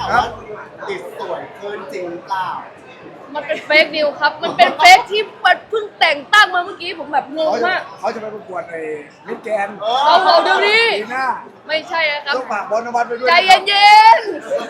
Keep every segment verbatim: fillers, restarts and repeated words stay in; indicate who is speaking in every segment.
Speaker 1: ข่าวว่าติดสวยขึ้นจริงหรือเปล่า
Speaker 2: มันเป็นเฟกนิวครับ มันเป็นเฟกที่มันเพิ่งแต่งตั้งมาเมื่อกี้ผมแบบงง
Speaker 3: เขาจะ
Speaker 2: มาก
Speaker 3: เขาจะไปประกวดไอ้มิสแกน
Speaker 2: เอาเอาเดี๋ยวนี้
Speaker 3: ปีหน้า
Speaker 2: ไม่ใช่นะครับ
Speaker 3: ต้องฝากบอลนวัตไปด้วย
Speaker 2: ใจ
Speaker 3: นะครับ
Speaker 2: เย็น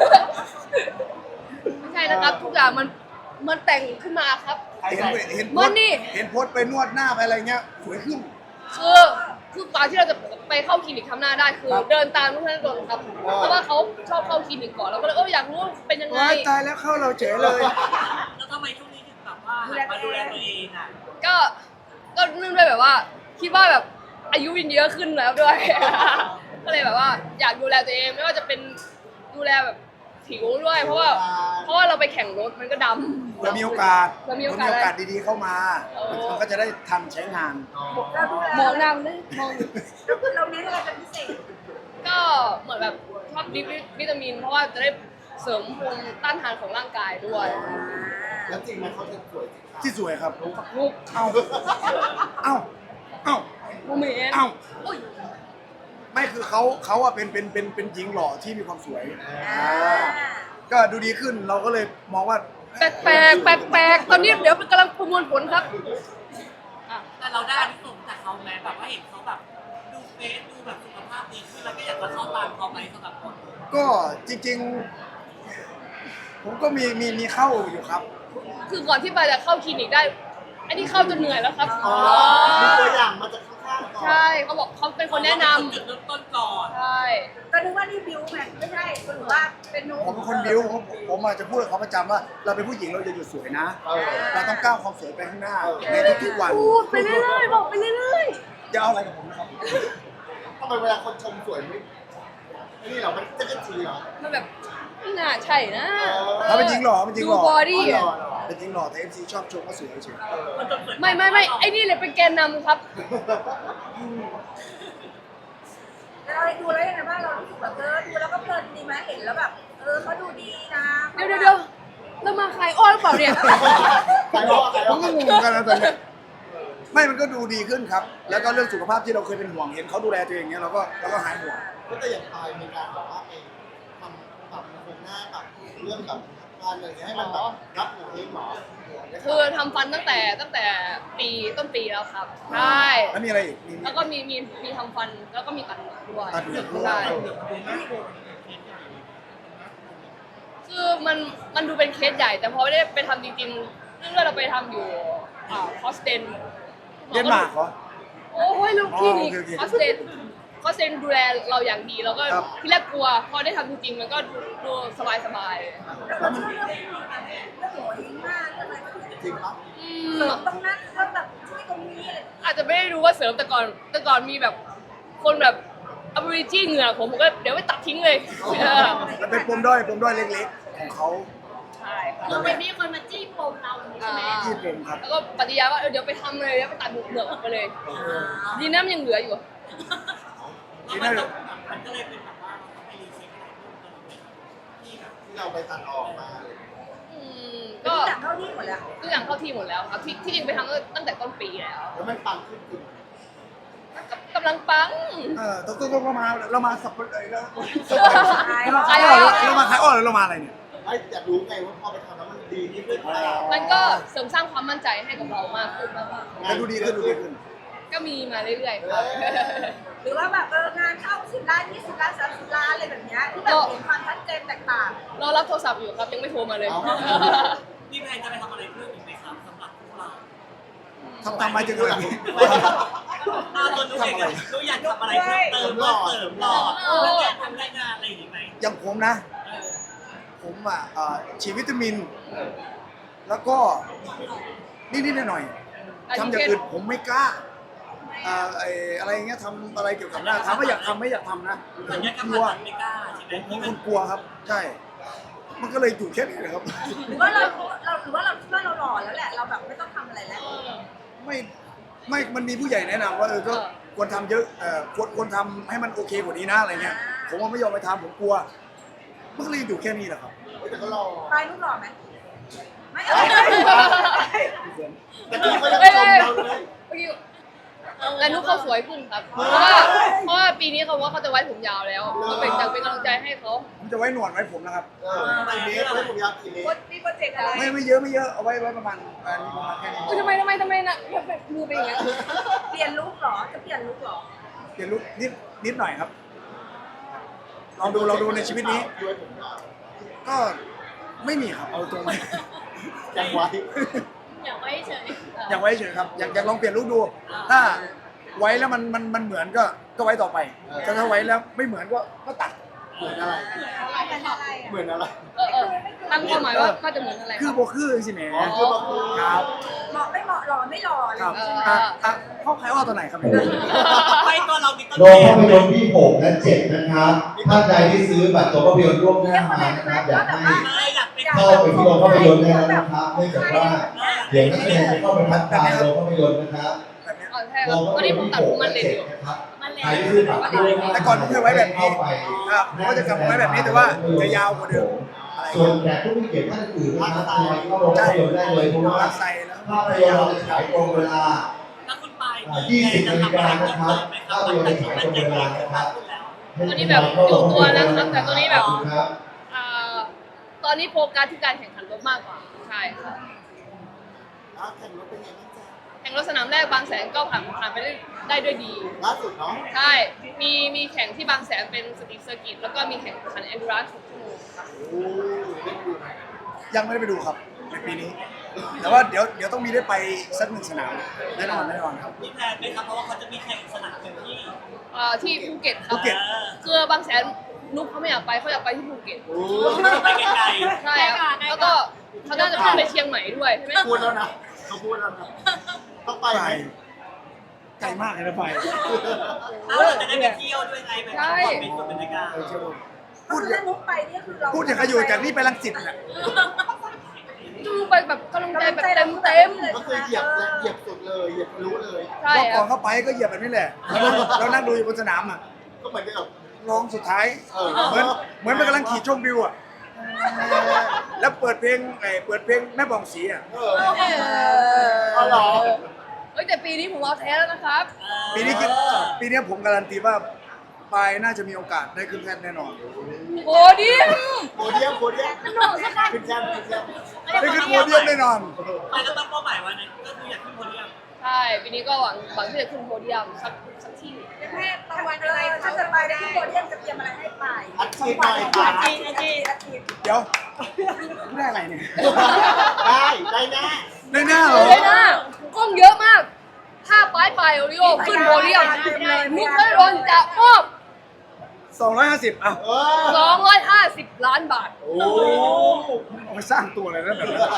Speaker 2: ๆ ไม่ใช่นะครับทุกอย่างมันมันแต่งขึ้นมาครับ
Speaker 3: เห็นเห็นโพ
Speaker 2: มั
Speaker 3: ส
Speaker 2: น
Speaker 3: ต์
Speaker 2: นี่
Speaker 3: เห็นโพสต์ไปนวดหน้าไปอะไรเงี้ยสวยขึ้น
Speaker 2: คือคือตอนที่เราจะไปเข้าคลินิกทำหน้าได้คือ
Speaker 3: ครับ
Speaker 2: เดินตามทุกท่านโดนครับเพราะว่าเขาชอบเข้าคลินิกก่อนเราก็เลยเอออยากรู้ว่าเป็นยังไง
Speaker 3: ว้ายตายแล้วเข้าเราเฉยเลย
Speaker 4: แล้วทำไมช่วงนี้ถึงแบบว่าหันมาดูแลตัวเองอ่ะ
Speaker 2: ก็ก็เนื่องด้วยแบบว่า คิดว่าแบบอายุยินเยอะขึ้นแล้วด้วย ก็เลยแบบว่าอยากดูแลตัวเองไม่ว่าจะเป็นดูแลแบบผิวด้วย เพราะว่าเพราะว่าเราไปแข่งรถมันก็ดำ
Speaker 3: เผื่อมีโอกาส
Speaker 2: เผื่อมี
Speaker 3: เผื่
Speaker 2: โอ
Speaker 3: อก
Speaker 2: าส
Speaker 3: มีโอกาสดีๆเข้ามา
Speaker 2: เออ
Speaker 3: มันก็จะได้ทันใช้งาน
Speaker 5: เราดูแล
Speaker 2: มองนางเลยมอง
Speaker 5: เราเน้นอะไรเป็นพิเศษ
Speaker 2: ก็เหมือนแบบชอบดิบวิตามิน เพราะว่าจะได้เสริมภูมิต้านทานของร่างกายด้วย
Speaker 1: แล้วจริงไหมเขาจะสวยจริง
Speaker 3: ที่สวยครับ
Speaker 2: ลูก
Speaker 3: เอ้า เอ้า เอ้า
Speaker 2: โมเมนต์
Speaker 3: เอ้า
Speaker 2: อุ้ย
Speaker 3: ไม่คือเขาเขาอะเป็นเป็นเป็นเป็นหญิงหล่อที่มีความสวยอ่าก็ดูดีขึ้นเราก็เลยมองว่า
Speaker 2: แปลกแปลกแปลกแปลกตอนนี้เดี๋ยวกำลังประมวลผลครับอ่ะ
Speaker 4: แต่เราได้อานิสงส์จากเขาแม้แบบว่าเห็นเขาแบบดูเฟซดูแบบสุขภาพดีขึ้นแล้วก็อยากจะเข้าตามเขาไหมสำหรับคน
Speaker 3: ก็จริงๆ ผมก็มีมีมีเข้าอยู่ครับ
Speaker 2: คือก่อนที่ปาจะเข้าคลินิกได้ อันนี้เข้าจนเหนื่อยแล้วครับ
Speaker 1: อ๋อมีตัวอย่างมาจากข้างๆก่อน
Speaker 2: ใช่เขาบอกเขาเป็นคนแนะน
Speaker 4: จุดเริ่มต้นก่อน
Speaker 2: ำใช่
Speaker 5: ก็นึกว่านี่บิวไงไม่ใช่หรือว่าเป็นนุ๊ก
Speaker 3: ผมเป็นคนบิ้วผมผมอาจจะพูดกับเขาประจำว่า เราเป็นผู้หญิงเราจะหยุดสวยนะ
Speaker 1: เออ
Speaker 3: เราต้องก้าวความสวยไปข้างหน้าในทุกๆวัน
Speaker 2: พูดไปเรื่อยๆบอกไปเรื่อย
Speaker 3: อย่าเอาอะไรกับผมนะครับ
Speaker 1: ทำไมเวลาคนชมสวยไม่นี่เหรอมันจะกระจีเหรอ
Speaker 2: ๆมันแบบไม่น่าใช่นะ
Speaker 3: เขาเป็นหญิงหล่อเป็นหญิง
Speaker 2: ดู
Speaker 3: หล่อบ
Speaker 2: อดี้
Speaker 1: หล่
Speaker 2: อะ
Speaker 1: อเหรอ
Speaker 3: เป็นหญิงหล่อแต่เอฟซีชอบชมว่าสวยเฉย
Speaker 4: คนจนเกิด
Speaker 2: ไม่ไม่ไม่ไอ้นี่เลยเป็นแกนนำครับ
Speaker 5: แล้วเราดูแล้วยังไงบ้างเรารู้สึกแบบเออดูแล้วก็เพลินดีไหมเห็นแล้วแบบเออเขาดูดีนะ
Speaker 2: เดี๋ยวเดี๋ยวเดี๋ยวเรามาขายอ้อหรือเปล่าเนี่ย
Speaker 1: ใครบอกใคร
Speaker 3: ๆผ
Speaker 1: บอ
Speaker 3: ม
Speaker 1: ก
Speaker 3: ก็งงกันนะตอนเนี้ยไม่มันก็ดูดีขึ้นครับ แล้วก็เรื่องสุขภาพที่เราเคยเป็นห่วงเห็นเขาดูแลตัวเองเนี้ยเราก็เราก็หายห่วง
Speaker 1: ก็แต่อย่างตายมีการแบบว่าเองทำปรับโครงหน้าปรับเรื่องแบบการอะไรอย่างเงี้ยให้มันแบบรับหนูเองเหรอ
Speaker 2: คือทำฟันตั้งแต่ตั้งแต่ปีต้นปีแล้วครับ ใช่
Speaker 3: แล้วมีอะไรอีกมี
Speaker 2: แล้วก็มีมีมีทำฟันแล้วก็มีตัดเหงือกด้วย
Speaker 3: ตัดเหงือกด้วย
Speaker 2: ใช่คือมันมันดูเป็นเคสใหญ่ แต่พอไม่ได้ไปทำจริงๆเรื่องเราไปทำอยู่อ่าคอสเตน
Speaker 3: เดนมาร์กเหรอ
Speaker 2: โอ้ยลูกพี่นี่
Speaker 3: อ๋อโอเคโอเค
Speaker 2: คอสเตนคอสเตนดูแลเราอย่างดีแล้วก็
Speaker 3: ครับ
Speaker 2: ที่แรกกลัว พอได้ทำจริงๆมันก็ดูดูสบายสบาย
Speaker 5: แล้วมันเรื่องโหดิ้งมากเรื่องอะไรก็คือ
Speaker 1: จริงปะ
Speaker 2: ๆอื
Speaker 5: เสริ
Speaker 2: ม
Speaker 5: มตรงนั้นแล้วแบบช่วยตรงนี้อะไร
Speaker 2: อาจจะไม่ได้รู้ว่าเสริมแต่ก่อนแต่ก่อนมีแบบคนแบบอบริจีเหงื่อผมผมก็เดี๋ยวไปตัดทิ้งเลยเออ
Speaker 3: มันเป็นปมด้อยปมด้อยเล็กๆ ของเขา
Speaker 2: ใช่ครับ
Speaker 5: คือมันมีคนมาจี้ปมเราใช่ไหม
Speaker 3: ที่ปมครับ
Speaker 2: แล้วก็ปฏิญาณว่าเออเดี๋ยวไปทำเลยเดี๋ยวไปตัดเหงือกออกไปเลย ดีนะมันยังเหลืออยู่
Speaker 4: แล้วมันต้องมันก็เลยเป็นแบบว่าเราต้องไปรีเช็คอะไรเพิ่มเติมที่แบบ
Speaker 1: ที่เราไปตัดออกมา
Speaker 2: อืม
Speaker 5: ก็
Speaker 2: ก็
Speaker 5: จากเข้าที่หมดแล้ว
Speaker 2: ทุกอย่างเข้าที่หมดแล้วครับที่ที่จริงไปทำตั้งแต่ต้นปีแล้ว
Speaker 1: แล้วมันปังขึ้นจริง
Speaker 2: กำลังปัง
Speaker 3: เออต้องต้องเรามาเรามาสับปะเลยแล้ว
Speaker 5: ขาย
Speaker 3: เรามา
Speaker 5: ขาย
Speaker 3: ขายอ้อเรามาขายอ้อหรือเรามาอะไรเนี่ย
Speaker 1: ไอ้อยากรู้ไงว่าพอไปทำแล้วมันดีขึ้นหรือเปล่า
Speaker 2: มันก็เสริมสร้างความมั่นใจให้กับเรามากขึ้นมาก
Speaker 3: แต่ดูดีขึ้นดูดีขึ้น
Speaker 2: ๆก็มีมาเรื่อยๆครับ
Speaker 5: หรือว่าแบบเอองานเข้าสิบล้านยี่สิบล้านสามสิบล้านอะไรแบบเนี้ยที่แบบเห็นความชัดเจนแตกต่าง
Speaker 2: รอรับโทรศัพท์อยู่ครับยังไม่โทรมาเลย
Speaker 4: มีแพลนจะไปทำอะไรเพิ่มอีกไหมครับสำหรับพวกเรา
Speaker 3: ทำทำมาจะเกิด
Speaker 4: อ้าวตัวนุ้ยเองอะนุ้ยอยากทำอะไรเพิ่มเติมเพิ่มเติมหล่อแล้วอยากทำได้งานอะไรอีกไหม
Speaker 3: อย่างผมนะ
Speaker 4: เออ
Speaker 3: ผมอ่ะอ่าฉีดวิตามิน แล้วก็นิดๆหน่อยๆทำอย่างอื่นผมไม่กล้าอ่าไอ้อะไรเงี้ยทำอะไรเกี่ยวกับหน้าถามว่าอยากทำไม่อยากทำนะ
Speaker 4: ส่วนใหญ่
Speaker 3: ก
Speaker 4: ก็
Speaker 3: ลัว
Speaker 4: ผ่านไม่กล้าใช่ไหม
Speaker 3: ผมเป็นคนกลัวครับ ใช่ มันก็เลยอยู่แค่นี้นะครับ
Speaker 5: หรือว่าเราเราหรือว่าเราคิดว่าเราหล่อแล้วแหละเราแบบไม่ต้องทำอะไรแล้ว
Speaker 3: ไม่ไม่มันมีผู้ใหญ่แนะนำว่าเออก็ควรทำเยอะเอ่อควรควรทำให้มันโอเคกว่านี้นะอะไรเงี้ย ผมว่าไม่ยอมไปทำผมกลัว มันก็เลยอยู่แค่นี้แหละครับ
Speaker 1: แต่ก็รอ
Speaker 5: ปลายรูปหล่อไหมไม่เอา
Speaker 1: แต่พี่ก็ยัง
Speaker 2: ไม่
Speaker 1: ช
Speaker 2: ไม่
Speaker 1: มเราเลย
Speaker 2: เมื่อกี้แล้วนุ๊กเขาสวยขึ้นครับ เพราะว่าเพราะว่าปีนี้เขาว่าเขาจะไว้ผมยาวแล้วก็เป็นอยากเป็นกำลังใจให้เขา
Speaker 3: ผมจะไว้หนวดไว้ผมนะครับ
Speaker 1: เออกี่เมตรไว้ผมยาวกี่เมตร
Speaker 5: มีโปรเจกต์อะไร
Speaker 3: ไม่ไม่เยอะไม่เยอะเอาไว้ไว้ประมาณอันนี้ประมาณแค่นี้
Speaker 2: อุ้ยทำไมทำไมทำไมนะแบบมือเป็นอย่างเงี้ย
Speaker 5: เปลี่ยนลุคเหรอจะเปลี่ยนลุคเหรอ
Speaker 3: เรียนรู้นิดนิดหน่อยครับลองดูลองดูในชีวิตนี้
Speaker 1: ด้วยผมยาว
Speaker 3: ก็ไม่มีครับเอาตรงไป
Speaker 1: ยังไว้
Speaker 2: อยากไว้เฉย
Speaker 3: อยากไว้เฉยครับอยากอยากลองเปลี่ยนรูปดู ถ้าไว้แล้วมันมันมันเหมือนก็ก็ไว้ต่อไปถ้าถ้าไว้แล้วไม่เหมือนก็ก็ตัด
Speaker 1: เหมือนอะไร
Speaker 5: เป็นอะไรอ่ะ
Speaker 1: เหมือนอะไร
Speaker 2: เออเออตั้งความหมายว่าก็จะเหมือนอะไร
Speaker 3: คือโบคือสิแหม
Speaker 1: อ๋อคือแบบคือ
Speaker 3: ครับ
Speaker 5: เหมาะไม่เหมาะหล่อไม่หล่ออะไร
Speaker 3: ครับ
Speaker 5: ใช่ไหม
Speaker 3: อ่ะอ่ะเข้าใครว่าตัวไหนครับเนี่ย
Speaker 4: ไปตัวเรามีต้น
Speaker 6: โรงภาพยนตร์ที่หกและเจ็ดนะครับท่านใดที่ซื้อบัตรตัวภาพยนตร์ล่วงหน้ามานะครับอยากให้
Speaker 4: เลยอยากเป็น
Speaker 6: เข้าไปที่โรงภาพยนตร์ได้แล้วนะครับเนื่องจากว่าเดี๋ยวนักแสดงจะเข้าไปทักทายโรงภาพยนตร์นะครับ
Speaker 3: แบบเนี้ย
Speaker 2: อ๋อใช่ค
Speaker 6: โร
Speaker 2: รับ
Speaker 6: งภา
Speaker 2: ตอน
Speaker 6: พย
Speaker 2: นี้
Speaker 6: นต
Speaker 2: ผม
Speaker 6: ร์
Speaker 2: ตั
Speaker 6: ที่
Speaker 2: ด
Speaker 6: ห
Speaker 2: ผ
Speaker 6: ก
Speaker 2: มมัน
Speaker 6: และ
Speaker 2: เลย
Speaker 6: เจ็
Speaker 2: อ
Speaker 6: ด
Speaker 2: ยู่
Speaker 6: นะครับใครที่ซื้อบัตรล่วงหน้า
Speaker 3: แต่ก่อนผมเคยไว้แบบนี้ครับผมก็จะกลับมาไว้แบบนี้แต่ว่าจะยาวกว่าเดิมอะไร
Speaker 6: ส่วนแขกผู้มีเกียรติท่านอื่นนะครับทยอยเข้าโรงภาพยนตร์ได้เลยเพราะว่า
Speaker 3: รักใส่แล้ว
Speaker 6: ภาพยนตร์เราจะฉายตรงเวลา
Speaker 4: แล้วคุณไป
Speaker 6: ยี่สิบนาฬิกานะครับภาพยนตร์จะฉายตรงเวลานะครับ
Speaker 2: ตัวนี้แบบอยู่ตัวนะครับแต่ตัวนี้แบบ
Speaker 6: ขอบคุณครับ
Speaker 2: อ่าตอนนี้โฟกัสที่การแข่งขันรถมากกว่าใช่ค่ะ
Speaker 1: แล้วแข่งรถเป็นไงบ้างจ๊ะ
Speaker 2: แข่งรถสนามแรกบางแสนก็ผ่านผ่านไปได้ได้ด้วยดี
Speaker 1: ล่าสุดเนาะ
Speaker 2: ใช่ มีมีแข่งที่บางแสนเป็นสตรีทเซอร์กิตแล้วก็มีแข่งขันแอนดูรานซ์หกชั่วโมงค่ะ
Speaker 1: โอ้ได้ดูไหม
Speaker 3: ยังไม่ได้ไปดูครับในปีนี้ แต่ว่าเดี๋ยวเดี๋ยวต้องมีได้ไปสักหนึ่งสนามแน่นอนแน่นอนครับ
Speaker 4: มีแพลนไหมครับเพราะว่าเขาจะมีแข่งสนามหนึ่งที่
Speaker 2: เอ่อที่ภูเก็ตครั
Speaker 3: ภู
Speaker 2: บ
Speaker 3: เก็ต
Speaker 2: คือบางแสนนุ๊กเขาไม่อยากไปเขาอยากไปที่ภูเก็ต
Speaker 1: โอ้
Speaker 4: ไปไกล
Speaker 2: ใช่ครับแล้วก็เขาน่าจะขึ้นไปเชียงใหม่ด้วยใช่ไหม
Speaker 1: พูดแล้วนะเขาพูดแล้วนะต้องไป
Speaker 3: ไป
Speaker 1: ไหม
Speaker 3: ไกลมากเลยนะไป
Speaker 4: ๆแล้วเราจะได้ไปเที่ยวด้วยไงแบบความเป็นส่วนบรรยากาศ
Speaker 3: พูดอ
Speaker 5: ถ้า
Speaker 3: ย่าง
Speaker 5: ลุคไปนี่คือเรา
Speaker 3: พูดอย่างกับอยู่จากนี่ไปรังสิตน่ะ
Speaker 2: จูไปแบบกำลังใจแบบเต็มเต็ม
Speaker 1: ก็คือเหยียบและเหยียบสุดเลยเหยียบทะลุเลย
Speaker 2: ๆใช่
Speaker 3: รอบ
Speaker 2: ค
Speaker 3: ก่
Speaker 2: รั
Speaker 3: อบ นเข้าไปก็เหยียบแบบนี้แหละแล้วเรานั่งดูอยู่บนสนามอ่ะ
Speaker 1: ก็เหมือนกับ
Speaker 3: ร้องสุดท้าย
Speaker 1: เออ
Speaker 3: เหมือนเหมือนมันกำลังขี่ชมวิวอ่ะแล้วเปิดเพลงไอ้เปิดเพลงแม่บองสีอ่ะ
Speaker 1: เออเอาเหรอ
Speaker 2: เอ้ยแต่ปีนี้ผมเอาแท้แล้วนะครับ
Speaker 3: ปีนี้คิดปีนี้ผมการันตีว่าปายน่าจะมีโอกาสได้ขึ้นแท่นแน่นอน
Speaker 2: โอ้ดิ
Speaker 1: โพเดียมโพเดียมขึ้นแชมป์ขึ้นแชมป์
Speaker 3: ได้ขึ้นโพเดียมแน่นอน
Speaker 4: ไปแล้วตั้งเป้าหมายไว้นะก็คืออยากขึ้นโพเดียม
Speaker 2: ใช่ปีนี้ก็หวังหวังที่จะขึ้นโพเดียมสักสักที่
Speaker 5: แม่รางวัลอะไรถ้าจะไปได้ที่โปรเดียมจะเตรียมอะไรให้ไป
Speaker 1: อัดฉีดหน่อยค่ะ
Speaker 5: อาทิตย์อาทิตย์อาทิตย์
Speaker 3: เดี๋ยวไม่ได้อะไรเนี่ย
Speaker 1: ได้ได้แน่
Speaker 3: ได้หน้าเหรอ
Speaker 2: เลยนะกล้องเยอะมาก ถ้าปลายปลายโอริโอขึ้นโพเดียมมุกเตอร์โดนจะมอบ
Speaker 3: สองร้อยห้าสิบอ่ะ
Speaker 1: เออ
Speaker 2: สองร้อยห้าสิบล้านบาท
Speaker 1: โอ้
Speaker 3: เอาไปสร้างตัวเลยนะแบบนั้น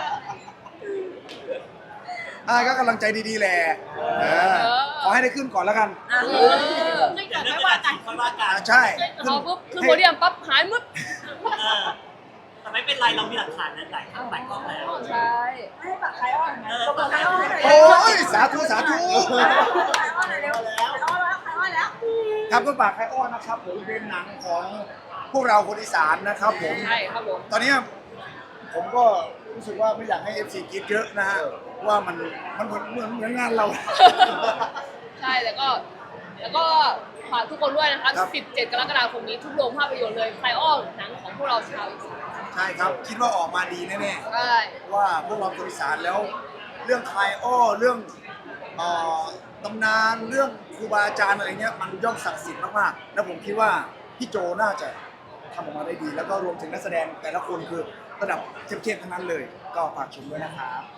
Speaker 3: อ่าก็กำลังใจดีๆแหละเออขอให้ได้ขึ้นก่อนแล้วกัน
Speaker 2: เออ
Speaker 4: เดี๋ยวเรื่องเวลาจีบค่อยว่ากั
Speaker 3: อ่าน ใช่
Speaker 2: พอปุ๊บขึ้นโพเดียมปั๊บหายมึด
Speaker 4: เออแต่ไม่เป็นไรเรามีหลักฐานนะหลายครั้งหลายกล้องแล้ว
Speaker 2: ใช่
Speaker 5: ให้ปากไคอ้อนนะบอกไคอ้อนหน่อย
Speaker 3: โอ้ยสาธุสาธุ
Speaker 5: ไคอ้อนหน่อยเร็วไคอ้อนแล้วไคอ้อนแล้ว
Speaker 3: ครับก็ฝากไคอ้อนนะครับผมเป็นหนังของพวกเราคนอีสานนะครับผม
Speaker 2: ใช่ครับผม
Speaker 3: ตอนนี้ผมก็รู้สึกว่าไม่อยากให้ เอฟ ซี กรีดเยอะนะฮะว่ามันมันเหมือนเหมือนเหมือนงานเรา
Speaker 2: ใช่แล้วก็แล้วก็ฝากทุกคนด้วยนะครับ
Speaker 3: ครับ
Speaker 2: สิบเจ็ด กรกฎาคมนี้ทุกโรงภาพยนตร์เลยไคอ้อนหนังของพวกเราชาวอีสาน
Speaker 3: ใช่ครับ คิดว่าออกมาดีแน่
Speaker 2: ใช่
Speaker 3: ๆว่าพวกเราคนอีสานแล้ว เรื่องคลายอ้อเรื่องเอ่อตำนานเรื่องครูบาอาจารย์อะไรเงี้ยมันย่อมศักดิ์สิทธิ์มากๆแล้วผมคิดว่าพี่โจน่าจะทำออกมาได้ดี แล้วก็รวมถึงนักแสดงแต่ละคนคือระดับเข้มๆทั้งนั้นเลย ก็ฝากชมด้วยนะครับ